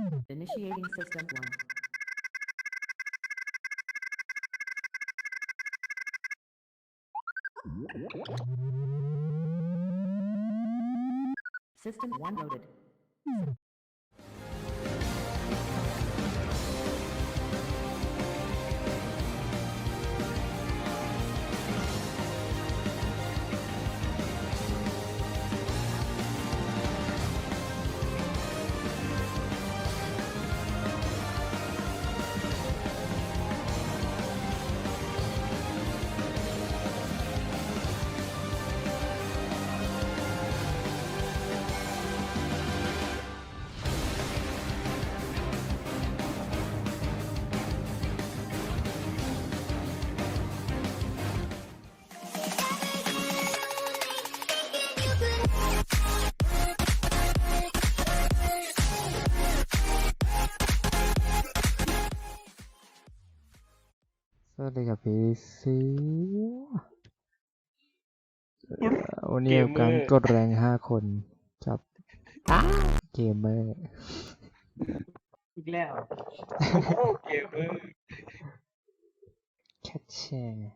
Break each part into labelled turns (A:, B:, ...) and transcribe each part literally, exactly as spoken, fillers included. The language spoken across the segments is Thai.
A: Initiating system one. System one loaded.
B: สวัสดีครับพี่ซีวันนี้กับการกดแรงห้าคนกับเกมเมอร์
C: อีกแล้วเกมเมอร์
B: แคทแชร์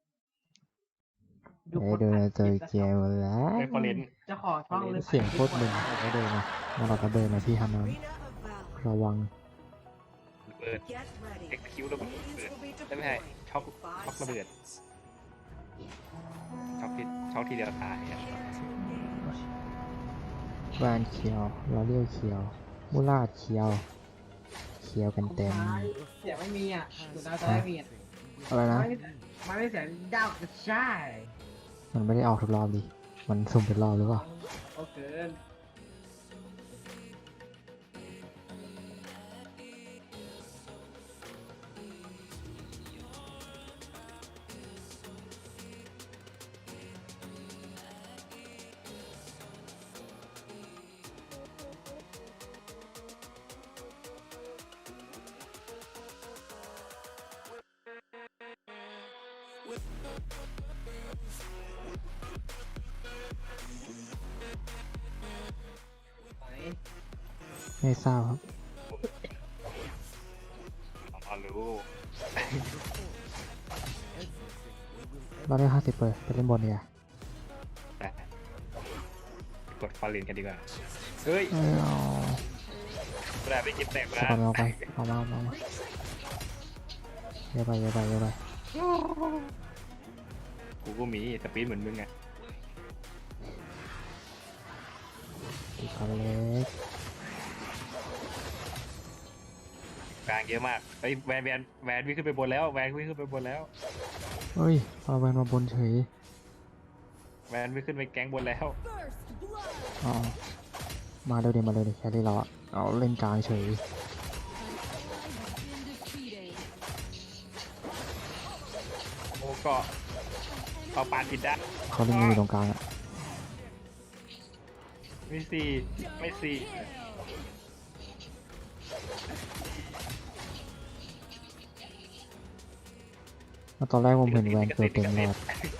B: ไปดูในตัวเกมแล้ว
C: ในฟอร์เรนเจ้าของช่องเลย
B: เสียงโคตรมึนไปดูนะมาเราก็เดินมาที่ฮันนอนระวัง
C: เปิดเอ็กซ์คิวระเบิดเปิดไม่ใช่ช็อกช็อกระเบิดช็อกที่ช็อกที่เดียวตายอ่ะ
B: แวนเขียวเราเรียกเขียวมูลาดเขียวเขียวกันเต็ม
C: เสียงไม่มีอ่ะสุดท้ายจะได้มีอ่ะ
B: อะไรนะ
C: มันไม่เสียงดาวกระชาย
B: มันไม่ได้ออกทุกรอบดิมันสุ่มเป็นรอบหรือเปล่า
C: โอเกิน
B: ไม่ทราบครับ
C: อ๋อรู้
B: เราได้ห้าสิบเปอร์ไปเล่นบนเนี่ย
C: กดฟอร์เรนกันดีกว่าเฮ้ย
B: เอ้ยเอา
C: ไม่ได้ไปกินแตก
B: ส
C: นะ
B: ปอนเราไปเอามาเอามาเอามาเยอะไปเยอะไปเยอะไป
C: กูก็มีสปีดเหมือนมึงอ่ะ
B: อีกคำเล็ก
C: กลางเยอะมากเฮ้ยแวนแวนแวนวิ่งขึ้นไปบนแล้วแวนวิ่งขึ้นไปบนแล้ว
B: เฮ้ยเอาแวนมาบนเฉย
C: แวนวิ่งขึ้นไปแก๊งบนแล้ว
B: อ๋อมาเร็วเดี๋ยวมาเร็วเดี๋ยวแครี่เราอะเอาเล่นกลางเฉย
C: โอ้ก็เอาปานผิดได้
B: เขาเล่นอยู่ตรงกลางอะ
C: ไม่สี่ไม่สี่
B: แล้วตอนแรกผมเห็นแวนตัวเต็มเลย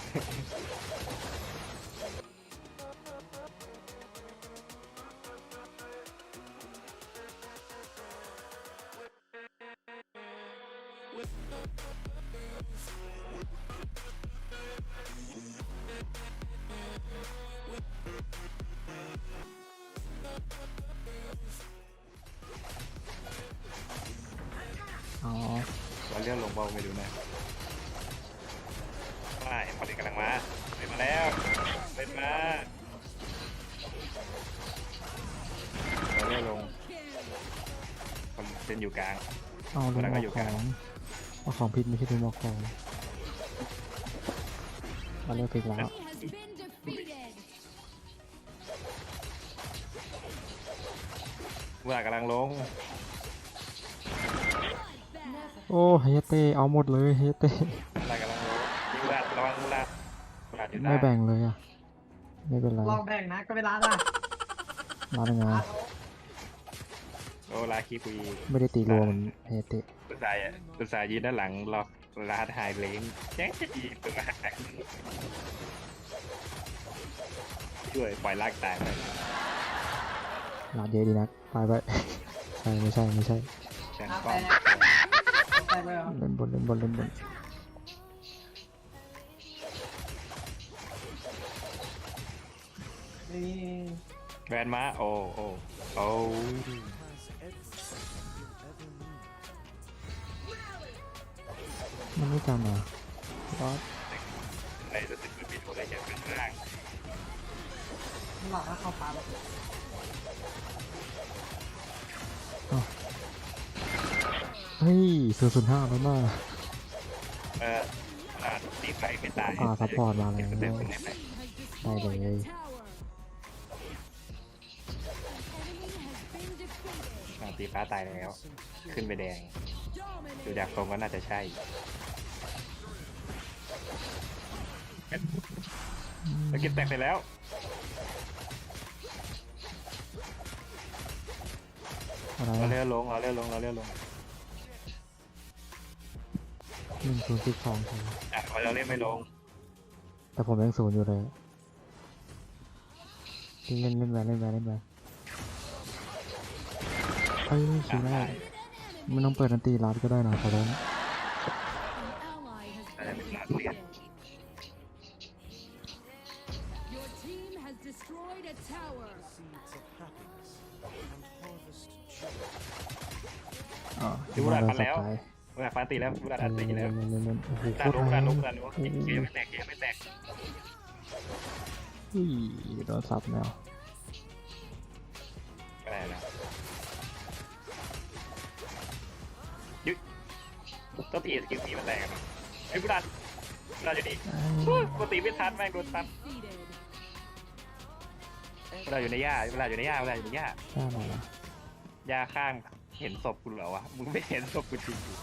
B: อ๋อ
C: เราเลื่อนลงเบาไม่ดูนะไม่พอดีกำลังมาเล่นมาแล้วเล่นมาเราเลื่อนลงคนเล่นอยู่กลาง
B: เอาลืมเอาของเอาของผิดไม่ใช่ลืมเอาของมาเรียกผิดแล้ว
C: เวลากำลังลง
B: โอ้เฮเต้เอาหมดเลยเฮเต้
C: เวลากำลังลงมูลาดระวังมูลาดมูลาดอยู่ได้
B: ไม่แบ่งเลยอะไม่เป็นไร
C: ลองแบ่งนะก็เวลาละ
B: มาได้ไง
C: โอ้ลาคีปุย
B: ไม่ได้ตีรัวเหมือนเฮเต้
C: อุตส่าห์อุตส่าห์ยืนด้านหลังล็อกลาดหายเลงแจ๊กจะดีตัวมากช่วยปล่อยลากตายไป
B: ลาดเยอะดีนักตายไปใช่ไม่ใช่ไม่ใช่
C: แสน
D: อ้าว
C: กล้
D: แต
C: อง
D: กแตกไปเหรอ
B: เล่นบนเล่นบนเล่นบน
D: นี่
C: แวนมาโอ้โอ้โอ้
B: มันไม่จำเหรอวอส
C: ไอ้รู้สึกมันมีอะไรอย่างข้างล่าง
D: หลอกให้เข้าปาแบบ
B: เฮ้ยศูนย์ศูนย์ห้าแล้วมา
C: เอออ่าตีไฟไม่ตาย
B: อ่าซัพพอร์ตมาแล้ว
C: เต็มเต็มเต็ม
B: ได้เลย
C: อ่าตีฟ้าตายแล้ว ขึ้นไปแดงดูจากตรงก็น่าจะใช่แล้วกินแตกไปแล้ว
B: อะไร
C: เรา
B: อะ
C: เลื่อนลงเราเลื่อนลงเราเลื่อนลง
B: หนึ่งศูนย์สิบสองใช่
C: อ่ะเราเล่นไม่ลง
B: แต่ผมยังศูนย์อยู่เลยเล่นเล่นไปเล่นไปเล่นไปเอ้ยคิวแรกมันต้องเปิดนันตีรัดก็ได้นะขอร้อง
C: อาจจะเป็นหลักเรียน
E: Your team has destroyed a tower.
B: อ๋อมาเลยสับไป
C: เวลาฟ้าตีแล้วเวลา
B: เล่
C: อั
B: น
C: นตี
B: เล่น
C: แล้ว
B: เล่นเล่นเล่นโอ้โห
C: กา
B: โค
C: ร
B: ตร
C: ลุก
B: แร
C: การ
B: ง
C: ลุกการลุกเกมไม่แตกเกมไม่แตก
B: อุ้ยโดนสับแล้ว
C: อะไรนะยึดต้องตีสกิลตีมันแตกกันไอ้ผู้ดันผู้ดันอยู่นี่ปกติไม่ทันแม่งโดนทัน
E: Defeated.
C: เวลาอยู่ในหญ้าเวลาอยู่ในหญ้าเวลาอยู่ในหญ้า
B: ใช่ไหมล่ะ
C: หญ้าข้างเห็นศพกูเหรอวะมึงไม่เห็นศพกูจริงอยู่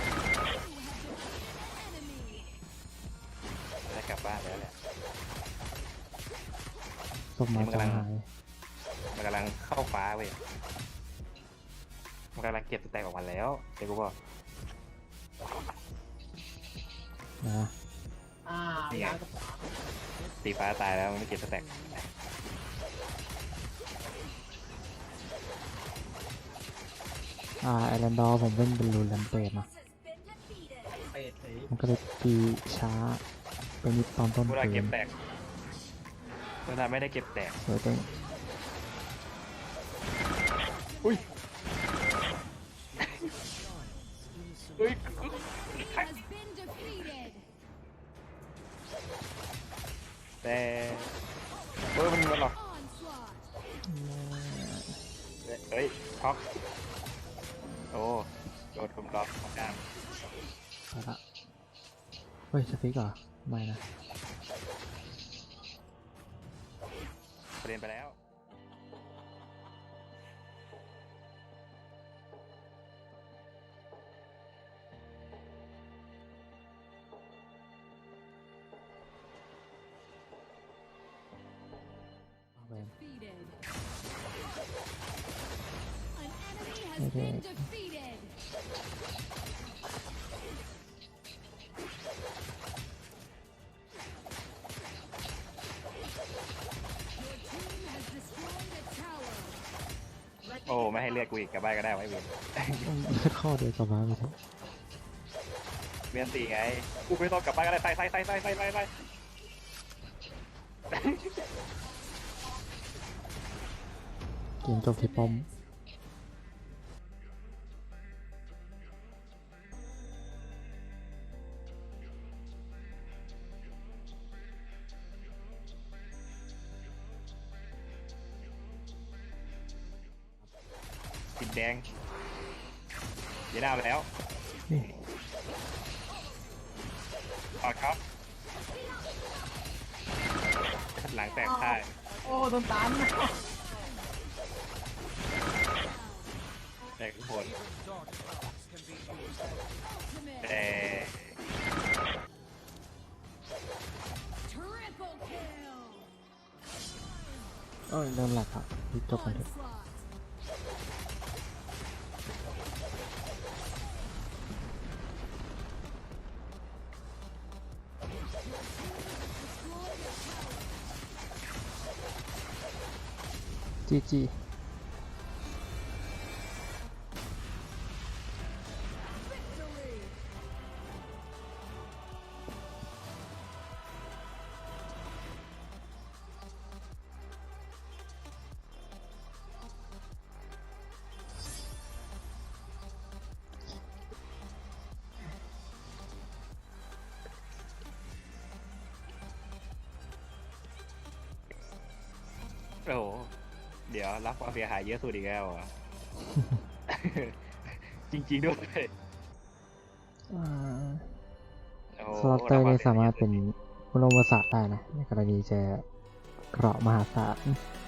C: จะกลับบ้านแล้วแหละ
B: ศพมาจะหาย
C: มันกำลังเข้าฟ้าเว้ยมันกำลังเก็บสแต็กออกมาแล้วเดี๋ยวกูบอก
B: นะ
D: อ่าล้างกระเป๋า
C: ตีฟ้าตายแล้วมันไม่เก็บสแต็ก
B: อ่าไอแลนดอร์ผมเล่นเป็นรูแลมเปดนะ
D: เป็ดเลย
B: มันก็เลยตีช้าไปนิดตอนต้น
C: กู
B: เก
C: ได้เก็บ
B: ม
C: แตกกูได้ไม่ได้เก็บแตก
B: สวยเต้ง
C: อุ้ยอุ้ย
E: Has been defeated.
C: แต่เฮ้ยมันมันหรอก
E: Onslaught.
C: เฮ้ยช็อกโอ้โดนคุมล็อกของการ
B: ไปละเฮ้ยสฟิกเหรอไม่นะ
C: ประเด็นไปแล้ว
B: เอาไป
E: Defeated. An enemy has
B: Okay.
E: been defeated. Your team has destroyed a tower.
C: โอ้ไม่ให้เลือกกูอีกกลับบ้านก็ได้ไว้เวียน
B: ข้อเดียวกับมาไปเถอะ
C: เวียนสี่ไงกูไม่ต้องกลับบ้านก็ได้ใส่ใส่ใส่ใส่ใส่ใส่ใส่
B: เกมจบที่ป้อม
C: สีแดงยีน่าไปแล้ว
B: นี่
C: ออกครับหลังแตกค่าย
D: โอ้โดนตัน
C: แตกทุกคน
E: Ultimate.
C: แต่
E: Triple kill.
B: เอ้ยโดนหลักครับจบกันเถอะ
E: Onslaught.
B: จีจี
C: โอ้โหเดี๋ยวรับความเสียหายเยอะสุดอีกแล้วเหรอ่ะ จริงๆด้วย
B: อ่า
C: โอ้โห
B: สล็อตเตอร์นี่สามารถ
C: บคว
B: เป็น
C: สียหย
B: อุโมงค์ศาสตร์ได้นะ ในกรณีเจอเกราะมหาศาล